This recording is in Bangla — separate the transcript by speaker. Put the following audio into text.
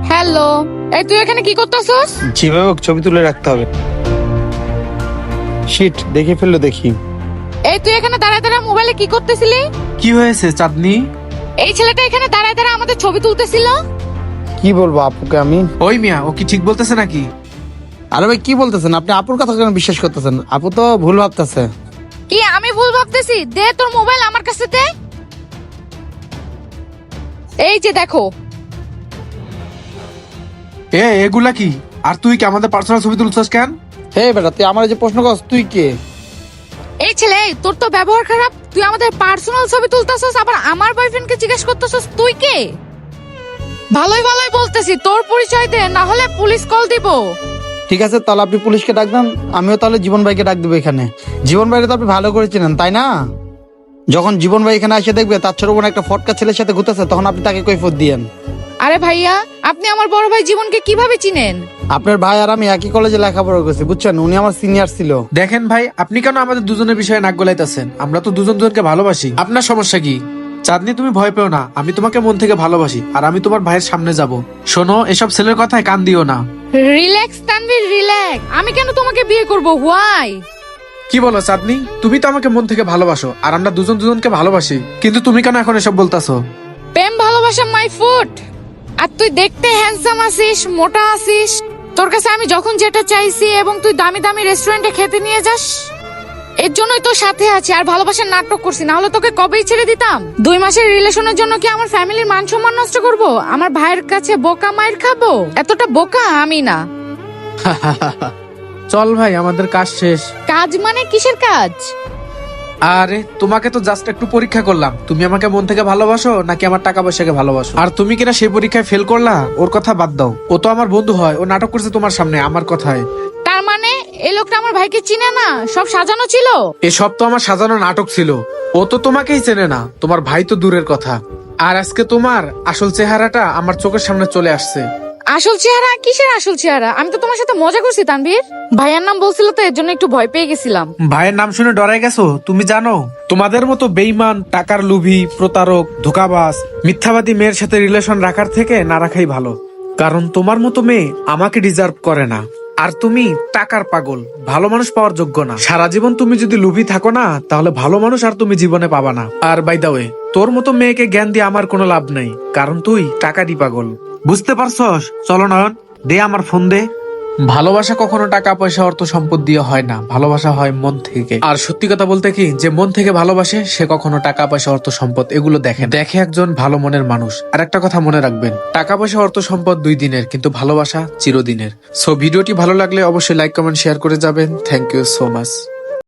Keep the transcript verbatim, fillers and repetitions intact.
Speaker 1: হ্যালো, এই তুই এখানে কি করতেছস?
Speaker 2: যেভাবে হোক ছবি তুলে রাখতে হবে। শিট, দেখে ফেললো দেখি।
Speaker 1: এই তুই এখানে দাঁড়ায় দাঁড়ায় মোবাইলে কি করতেছিলি?
Speaker 3: কি হয়েছে চাঁদনি?
Speaker 1: এই ছেলেটা এখানে দাঁড়ায় দাঁড়ায় আমাদের ছবি তুলতেছিল।
Speaker 2: কি বলবো আপুকে আমি?
Speaker 3: ওই মিয়া, ও কি ঠিক বলতেছে নাকি?
Speaker 2: আরে ভাই কি বলতেছেন আপনি? আপুর কথা কেন বিশ্বাস করতেছেন? আপু তো ভুল ভাবতেছে।
Speaker 1: কি আমি ভুল ভাবতেছি? দে তোর মোবাইল আমার কাছে দে। এই যে দেখো।
Speaker 3: এ এগুলা কি? আর তুই কি আমাদের পার্সোনাল ছবি তুলছস কেন?
Speaker 2: হে বেটা, তুই আমার যে প্রশ্ন করছ, তুই কে?
Speaker 1: এই ছেলে, তোর তো ব্যবহার খারাপ। তুই আমাদের পার্সোনাল ছবি তুলতেছস, আবার আমার বয়ফ্রেন্ডকে জিজ্ঞেস করতেছস তুই কে? ভালোই ভালোই বলতেছি, তোর পরিচয় দে, না হলে পুলিশ কল দিব।
Speaker 2: ঠিক আছে, তাহলে আপনি পুলিশকে ডাক দেন, আমিও তাহলে জীবন ভাইকে ডাক দেবো এখানে। জীবন ভাইকে তো আপনি ভালো করে চেনেন, তাই না? যখন জীবন ভাই এখানে এসে দেখবে তার ছোট বোন একটা ফটকা ছেলের সাথে ঘুরতেছে, তখন আপনি তাকে কৈফিয়ত দিয়েন।
Speaker 1: আরে ভাইয়া, আপনি আমার বড় ভাই জীবনকে কিভাবে চিনেন?
Speaker 2: আপনার ভাই আর আমি একই কলেজে লেখাপড়া করছি, বুঝছেন? উনি আমার সিনিয়র ছিল।
Speaker 3: দেখেন ভাই, আপনি কেন আমাদের দুজনের বিষয়ে নাক গলাইতেছেন? আমরা তো দুজন দুজনকে ভালোবাসি। আপনার সমস্যা কি? চাঁদনি, তুমি ভয় পেও না, আমি তোমাকে মন থেকে ভালোবাসি, আর আমি তোমার ভাইয়ের সামনে যাব। শোনো, এসব ছেলের কথায় কান দিও না।
Speaker 1: Relax Tanvir, relax. আমি কেন তোমাকে বিয়ে করব? হোয়াই?
Speaker 3: কি বলো চাঁদনি? তুমি তো আমাকে মন থেকে ভালোবাসো, আর আমরা দুজন দুজনকে ভালোবাসি, কিন্তু তুমি কেন এখন এসব বলতাছো?
Speaker 1: প্রেম ভালোবাসা মাই ফুড। আর তুই দেখতে হ্যান্ডসাম আছিস, মোটা আছিস। তোর কাছে আমি যখন যেটা চাইছি এবং তুই দামি দামি রেস্টুরেন্টে খেতে নিয়ে যাস, এর জন্যই তোর সাথে আছি। আর ভালোবাসার নাটক করছি, না হলে তোকে কবেই ছেড়ে দিতাম। দুই মাসের রিলেশনের জন্য কি আমার ফ্যামিলির মান সম্মান নষ্ট করব? আমার ভাইয়ের কাছে বোকা মায়ের খাবো? এতটা বোকা আমি না।
Speaker 3: চল ভাই, আমাদের কাজ শেষ।
Speaker 1: কাজ মানে কিসের কাজ?
Speaker 3: আরে তোমাকে তো জাস্ট একটু পরীক্ষা করলাম, তুমি আমাকে মন থেকে ভালোবাসো নাকি আমার টাকা পয়সাকে ভালোবাসো। আর তুমি কিনা সেই পরীক্ষায় ফেল করলা, ওর কথা বাদ দাও। ও তো আমার বন্ধু হয়, ও নাটক করছে তোমার সামনে আমার কথায়।
Speaker 1: তার মানে এই লোকটা আমার ভাইকে চিনে না? সব সাজানো ছিল।
Speaker 3: এসব তো আমার সাজানো নাটক ছিল। ও তো তোমাকেই চেনে না, তোমার ভাই তো দূরের কথা। আর আজকে তোমার আসল চেহারাটা আমার চোখের সামনে চলে আসছে।
Speaker 1: আসল চেহারা? কিসের আসল চেহারা? আমি তো তোমার সাথে মজা করছি তানভীর। ভাইয়ার নাম বলছিল তো, এর জন্য একটু ভয় পেয়ে গেছিলাম।
Speaker 3: ভাইয়ের নাম শুনে ডরাই গেছো? তুমি জানো, তোমাদের মতো বেইমান, টাকার লোভী, প্রতারক, ধোকাবাজ, মিথ্যাবাদী মেয়ের সাথে রিলেশন রাখার থেকে না রাখাই ভালো। কারণ তোমার মতো মেয়ে আমাকে ডিজার্ভ করে না। আর তুমি টাকার পাগল, ভালো মানুষ পাওয়ার যোগ্য না। সারা জীবন তুমি যদি লোভী থাকো না, তাহলে ভালো মানুষ আর তুমি জীবনে পাবা না। আর বাই দা ওয়ে, তোর মতো মেয়েকে জ্ঞান দিয়ে আমার কোনো লাভ নাই, কারণ তুই টাকারই পাগল। বুঝতে পারছস? চলো নয়ন, দে আমার ফোন দে। ভালোবাসা কখনো টাকা পয়সা অর্থ সম্পদ দিয়ে হয় না, ভালোবাসা হয় মন থেকে। আর সত্যি কথা বলতে কি, যে মন থেকে ভালোবাসে সে কখনো টাকা পয়সা অর্থ সম্পদ এগুলো দেখে দেখে একজন ভালো মনের মানুষ। আর একটা কথা মনে রাখবেন, টাকা পয়সা অর্থ সম্পদ দুই দিনের, কিন্তু ভালোবাসা চিরদিনের। সো ভিডিওটি ভালো লাগলে অবশ্যই লাইক কমেন্ট শেয়ার করে যাবেন। Thank you so much.